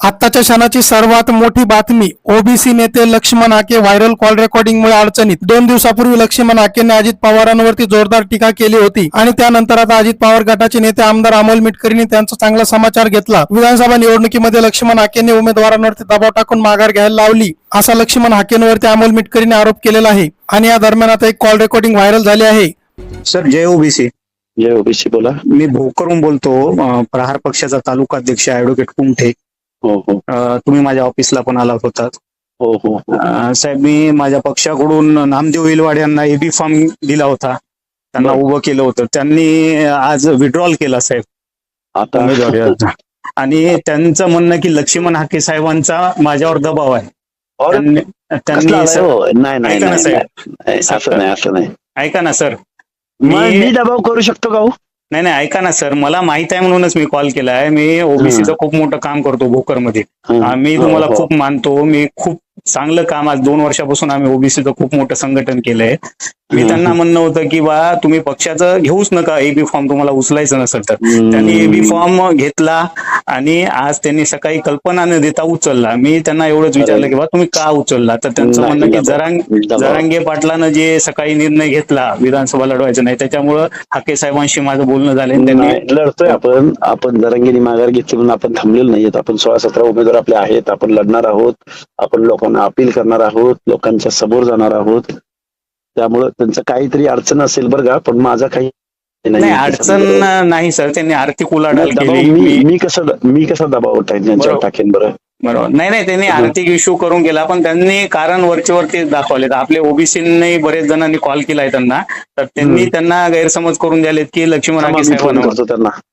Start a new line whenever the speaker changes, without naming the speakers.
आत्ताच्या क्षणाची सर्वात मोठी बातमी. ओबीसी नेते लक्ष्मण हाके व्हायरल कॉल रेकॉर्डिंगमुळे अडचणीत. 2 दिवसापूर्वी लक्ष्मण हाकेंनी अजित पवारांवरती जोरदार टीका केली होती आणि त्यानंतर आता अजित पवार गटाचे नेते आमदार अमोल मिटकरींनी त्यांचा चांगला समाचार घेतला. विधानसभा निवडणुकीमध्ये लक्ष्मण हाकेंनी उमेदवारांवरती दबाव टाकून माघार घ्यायला लावली, असा लक्ष्मण हाकेंवरती अमोल मिटकरींनी आरोप केलेला आहे. आणि या दरम्यान आता एक कॉल रेकॉर्डिंग व्हायरल झाली आहे.
सर, जय ओबीसी.
जय ओबीसी. बोला.
मी भोकरहून बोलतो. प्रहार पक्षाचा तालुका अध्यक्ष ॲडव्होकेट कुमठे.
हो हो
तुम्ही माझ्या ऑफिसला पण आला होतात.
हो हो हो.
साहेब, मी माझ्या पक्षाकडून नामदेव इलवाड यांना एबी फॉर्म दिला होता, त्यांना उभं केलं होतं. त्यांनी आज विड्रॉल केला साहेब
आता
उमेदवारी अर्ज. आणि त्यांचं म्हणणं की लक्ष्मण हाके साहेबांचा माझ्यावर दबाव आहे.
कसला
सर,
हो? नाही नाही
ऐका ना
नाही,
साहेब.
नाही, असं नाही, असं नाही.
ऐका ना सर,
मी दबाव करू शकतो का हो?
नाही नाही, ऐका ना सर, मला माहित आहे म्हणूनच मी कॉल केला आहे. मी ओबीसीचं खूप मोठं काम करतो भोकरमध्ये. मी तुम्हाला
हो.
खूप मानतो. मी खूप चांगलं काम, आज 2 वर्षापासून आम्ही ओबीसीचं खूप मोठं संघटन केलंय. मी त्यांना म्हणणं होतं की बा तुम्ही पक्षाचं घेऊच नका, एबी फॉर्म तुम्हाला उचलायचं नसेल तर. त्यांनी एबी फॉर्म घेतला आणि आज त्यांनी सकाळी कल्पना न देता उचलला. मी त्यांना एवढंच विचारलं की बा तुम्ही का उचलला, तर त्यांचं म्हणणं की जरांगे पाटलानं जे सकाळी निर्णय घेतला विधानसभा लढवायचं नाही, त्याच्यामुळं हाके साहेबांशी माझं बोलणं झालं. त्यांनी
लढतोय आपण जरांगीने माघार घेतली म्हणून आपण थांबलेलो नाहीयेत. आपण 16-17 उमेदवार आपले आहेत. आपण लढणार आहोत. आपण लोकांना अपील करणार आहोत. लोकांच्या समोर जाणार आहोत. त्यामुळं त्यांचं काहीतरी अडचण असेल बरं का, पण माझा काही
नाही अडचण नाही सर. त्यांनी आर्थिक उलाढाल केली.
मी कसा दबाव त्यांच्यावर टाकेन बरं?
बरोबर. नाही त्यांनी आर्थिक इश्यू करून गेला, पण त्यांनी कारण वरचे दाखवले. आपले ओबीसींनी बरेच जणांनी कॉल केलाय त्यांना, तर त्यांनी त्यांना गैरसमज करून द्यालेत की लक्ष्मण हाके साहेबांना.